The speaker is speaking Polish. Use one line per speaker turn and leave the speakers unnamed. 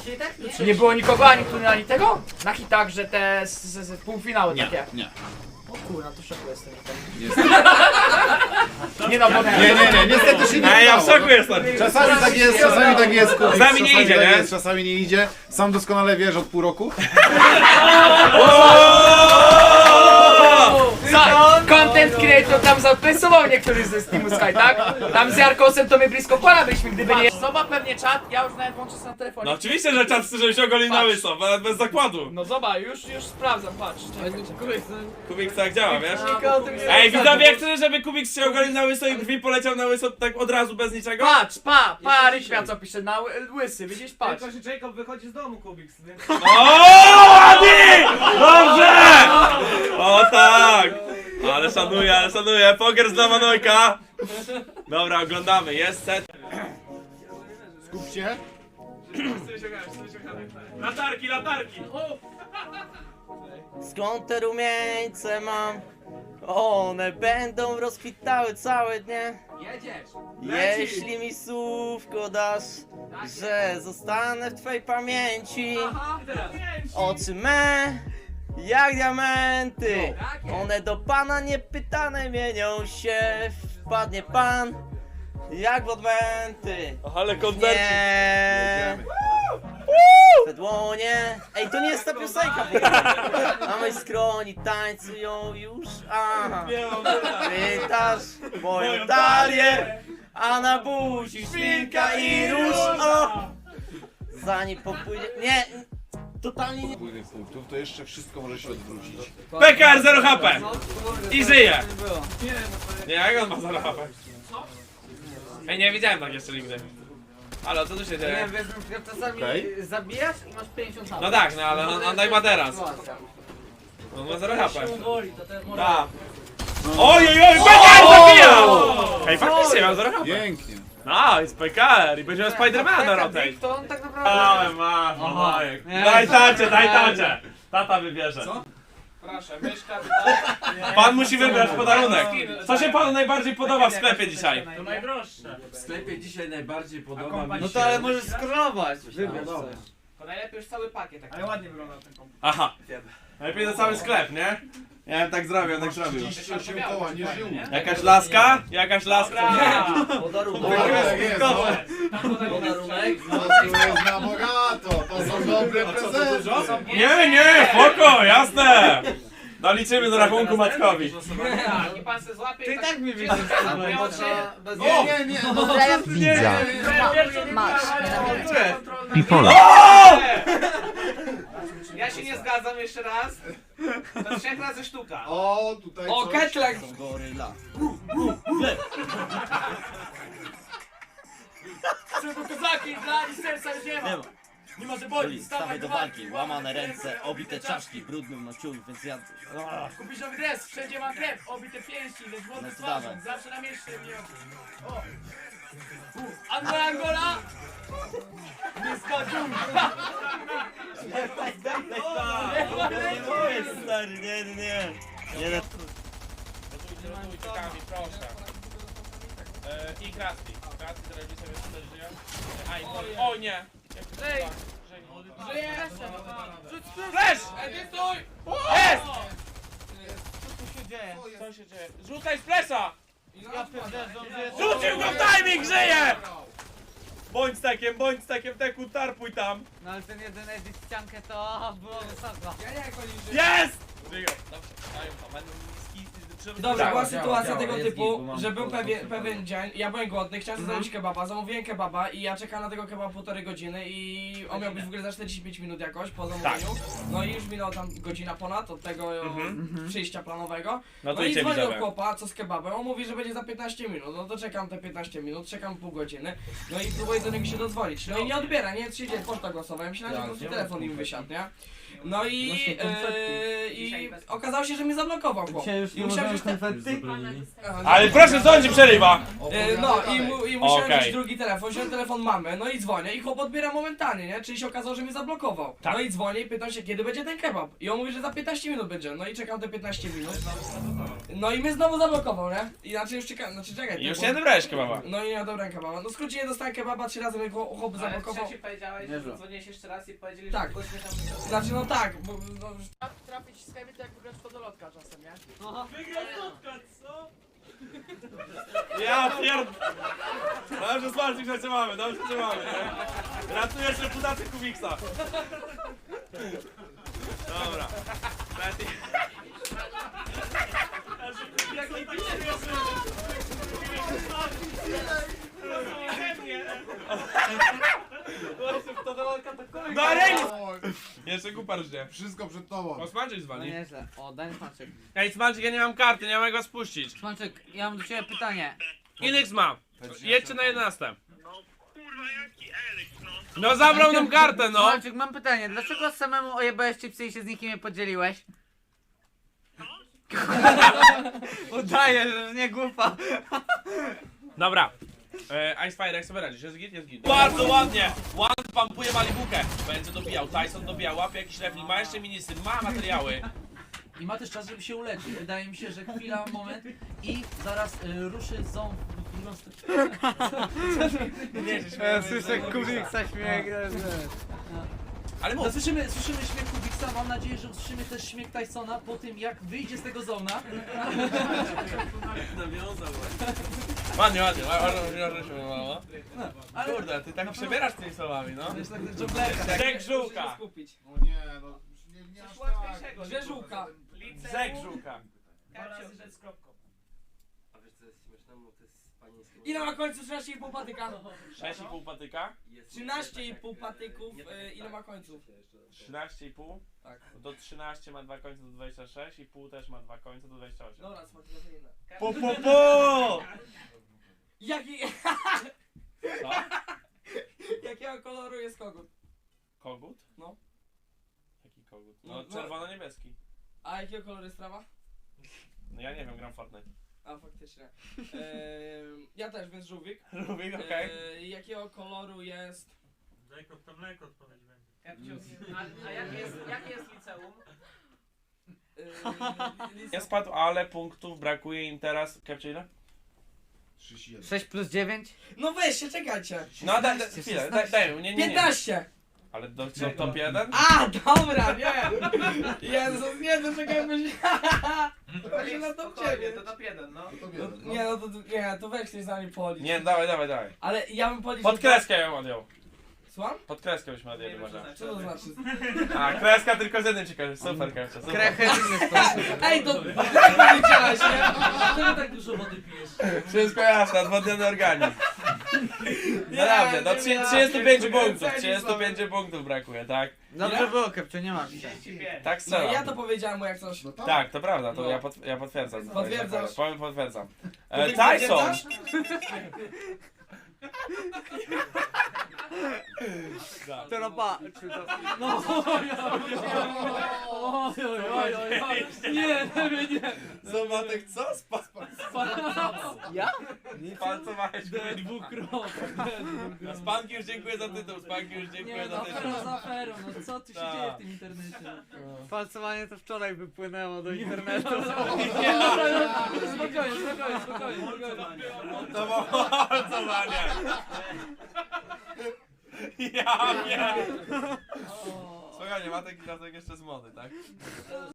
Właśnie tak?
Czy nie było nikogo ani tu, ani tego? Na hitach, że te półfinały takie.
Nie.
O kurwa, to w szoku jestem.
Niestety.
Nie no, bo
Nie, niestety się nie
Ej, ja w
udało.
szoku jestem.
Czasami tak jest, czasami tak jest. Kubik,
Czasami nie idzie,
tak
nie?
jest, czasami nie idzie. Sam doskonale wiesz od pół roku.
Content creator tam zapresował niektórych ze Steamu Sky, tak? Tam z Jarkosem to my blisko kola byliśmy, gdyby nie... Zobacz pewnie czat, ja już nawet włączę sobie na telefonie.
No oczywiście, że czas chce, żeby się ogolił na łyso, bez zakładu.
No zobacz, już sprawdzam, patrz.
Kubik tak działa, wiesz? Ej, widzowie, jak chcesz, żeby Kubik się ogolił na łyso i brwi poleciał na łyso tak od razu, bez niczego?
Patrz, Ryśmia co pisze, na łysy, widzisz, patrz.
Tylko się Jacob wychodzi z domu, Kubiks, więc...
O, ładnie! Dobrze! O tak! Ale szanuję, poker dla Manojka. Dobra, oglądamy, jest set.
Skup się.
Latarki!
Skąd te rumieńce mam? One będą rozkwitały całe dnie. Jeśli mi słówko dasz, że zostanę w twojej pamięci. Oczy me, jak diamenty. One do pana niepytane mienią się. Wpadnie pan, jak w odmęty.
Ale koncercik.
Nie. Te dłonie. Ej, to nie jest ta piosenka. A mojej skroni tańcują już. Aha. Pytasz moją talię, a na buzi szpilka i róż. O! Zanim popłynie. Nie. Totalnie nie.
Płynych punktów, to jeszcze wszystko może się odwrócić.
PKR 0 HP. I żyje. Nie, jak on ma 0 HP? Ej, nie widziałem tak jeszcze nigdy. Ale co tu się dzieje?
wiesz, czasami
Okej.
zabijasz i masz 50
No tak, no ale on tak ma teraz. On ma 0 HP. Tak. Oj, PKR zabijał! Ej, faktycznie mam 0 HP.
Pięknie.
Nice, PKR i będziemy Spidermana na rotate.
To on tak naprawdę...
Ale masz, Manojek. Daj tacie. Tata wybierze. Co?
Proszę, myszka,
Pan musi wybrać podarunek. Co się panu najbardziej podoba w sklepie dzisiaj?
to najdroższe.
W sklepie dzisiaj najbardziej podoba mi się...
No to ale możesz scrollować. Wybierz
dobra.
coś.
To najlepiej już cały pakiet taki.
Ale ładnie wygląda ten komputer.
Aha. Najlepiej to cały sklep, nie? Ja bym tak zrobił, tak zrobił.
38 koła, nie żył.
Jakaś laska? Jakaś laska.
Podarunek.
Tak jest, no.
Podarunek.
No to jest na bogato, to są dobre prezenty.
Nie, spoko, jasne. Doliczymy do rachunku Matkowi.
I pan se złapie
Ty
i
tak mi widzisz.
Nie,
Pozdrawiam widza. Masz.
Pipola. Ja się nie zgadzam jeszcze raz. To 3 razy sztuka.
O, tutaj
O,
coś.
ketlek!
Goryla.
Czego kozaki, dla nic serca już nie ma. Nie może boli,
Stawaj do walki, łamane ręce, obite czaszki, brudny na ciul, więc ja...
Kupisz nowy dres, wszędzie mam krew, obite pięści, lecz wody
No to
twarzą,
dawaj.
zawsze na mieście mnie. O! Angola! Nie skoczył!
Stary, nie. Nie,
Proszę. I Krasny. Krasny telewizja też żyje. O nie!
Ej! Żyje!
Flash!
Ej, stój!
Jest!
Co się dzieje?
Co się dzieje? Rzucaj splesza!
Ja pierdolę,
Rzucił go w timing, żyje! Bądź takiem, teku, tarpuj tam.
No ale ten jeden edit ściankę to było wysoko.
Jest! Żyją. Dobrze, dają to, będą
Dobra, była
Tak,
sytuacja tego
jest
typu,
git, bo mam
że był
kontakt
pewien dzień, ja byłem głodny, chciałem zrobić kebaba, zamówiłem kebaba i ja czekałem na tego kebaba 1,5 godziny i on miał być w ogóle za 45 minut jakoś po zamówieniu. No i już minęła tam godzina ponad od tego przyjścia planowego.
No
No
to
i
idzie
dzwonię do
widzowie.
chłopa, co z kebabem, on mówi, że będzie za 15 minut, no to czekam te 15 minut, czekam pół godziny, no i próbuję do niego się dodzwonić, no i nie odbiera, nie, się dzieje, poczta głosowa, ja myślałem, że po prostu telefon im wysiadł, nie? No i okazało się, że mnie zablokował chłop. I musiałem
Ale proszę, co on ci przerywa?
No i musiałem
Okej.
wziąć drugi telefon, wziąłem telefon mamy, no i dzwonię i chłop odbiera momentalnie, nie? Czyli się okazało, że mnie zablokował.
Tak.
No i dzwonię i pytam się, kiedy będzie ten kebab. I on mówi, że za 15 minut będzie, no i czekam te 15 minut. No i mnie znowu zablokował, nie? Inaczej już czekam, znaczy czekaj.
I już
bo-
nie odebrałeś kebaba.
No i nie odebrałem kebaba. No w skrócie nie dostałem kebaba, 3 razy mnie chłop zablokował.
powiedziałeś, że dzwoniłeś jeszcze raz i powiedzieli,
Tak.
że gościa tam...
Znaczy no tak, bo... No,
Trafić w sklepie to jak wygrać w podolotka czasem, nie?
Ja pierd... Dobrze, Smalczyk, że cię mamy, dobrze cię mamy, nie? Ratujesz reputację Kubiksa. Dobra. Darek! Jeszcze kupar żnie.
Wszystko przed tobą.
O, Smalczyk zwali.
Nieźle. O, daj Smaczek.
Ej, Smalczyk, ja nie mam karty, nie mam jak was puścić.
Smaczek, ja mam do ciebie pytanie.
Inex ma. Jedźcie na 11. No zabrał nam kartę, no!
Smaczek, mam pytanie. Dlaczego samemu ojebałeś chipsy i się z nikim nie podzieliłeś? Udaję, że nie głupa.
Dobra. Icefire, jak sobie radzisz? Jest git? Jest git. Bardzo ładnie! One pampuje Malibukę. Będzie dobijał. Tyson dobijał. Łapie jakiś level. Ma jeszcze minisy. Ma materiały.
I ma też czas, żeby się uleczyć. Wydaje mi się, że chwila, moment i zaraz ruszy ząb w drugą stronę.
Ja słyszę Kubiksa śmiech.
Ale
No,
mów.
słyszymy śmiech Kubiksa, mam nadzieję, że usłyszymy też śmiech Tysona po tym, jak wyjdzie z tego zona.
Ładnie, ładnie. Ładnie się wymało.
Ale
Kurde, ty tak przebierasz tymi słowami, no.
wiesz, tak dżunglerka.
Zek żółka.
skupić.
O nie, no nie aż tak.
Gdzie żółka?
Zek żółka.
A wiesz co jest śmieszne? Bo to jest panieńskie.
Ile ma końców 13,5 patyka?
6,5 patyka.
13,5 patyków, ile ma końców?
13,5.
Tak.
Do 13 ma 2 końce do 26 i pół też ma 2 końce do 28.
Dobra, smaczne to inne.
Po, po, po!
Jaki...
Co?
Jakiego koloru jest kogut?
Kogut?
No.
Jaki kogut?
No,
No
no.
czerwono-niebieski.
A jakiego koloru jest trawa?
No ja nie wiem, gram Fortnite.
A faktycznie. Ja też, więc żółwik.
Rubik, okej.
Jakiego koloru jest...
A jakie jest liceum?
Nie spadł, ale punktów brakuje im teraz. Kepcie ile?
31.
6 plus 9?
No weźcie, czekajcie.
No daj chwilę, daj, nie.
15!
Ale do top 1?
A, dobra, nie! Jezus, nie, to czekaj, bo się... To się na top 9.
To top 1, no.
To
No,
wiem, no.
nie, no to, nie, to weź coś za nami policz.
Nie, dawaj.
Ale ja bym policzył...
Pod kreskę ją odjął.
Słucham?
Pod kreskę byśmy odjęli może.
Co to znaczy?
A, kreska tylko z jednym ciekawy. Super, Kepcie, super.
Krechę w inny sposób.
Ej, to policzyłaś, nie?
Dlaczego tak dużo wody pijesz?
Wszystko jasne, odwodniony organizm. Naprawdę, do 35 punktów, 35 punktów brakuje, tak?
Dobrze było, Kepcio, nie mam się.
Tak
No ja
strzelam.
to powiedziałem mu jak coś.
No tak.
Tak, to prawda, to
No.
ja potwierdzam.
Potwierdzasz?
Potwierdzam.
To ty
Tyson!
potwierdzasz?
To roba.
No, oj. Nie.
Co Matek, co?
Ja?
Spalcowałeś mnie.
Dwukrotnie.
Spanki już dziękuję za tytuł, Spanki już dziękuję
Nie,
za
no
tytuł.
afera za aferą, no co tu się
Tak.
dzieje w tym internecie?
Falcowanie to wczoraj wypłynęło do internetu.
Nie, dobra, spokojnie.
To było palcowanie. Ja wiem. Spokojnie, Matek i Matek jeszcze z mody, tak?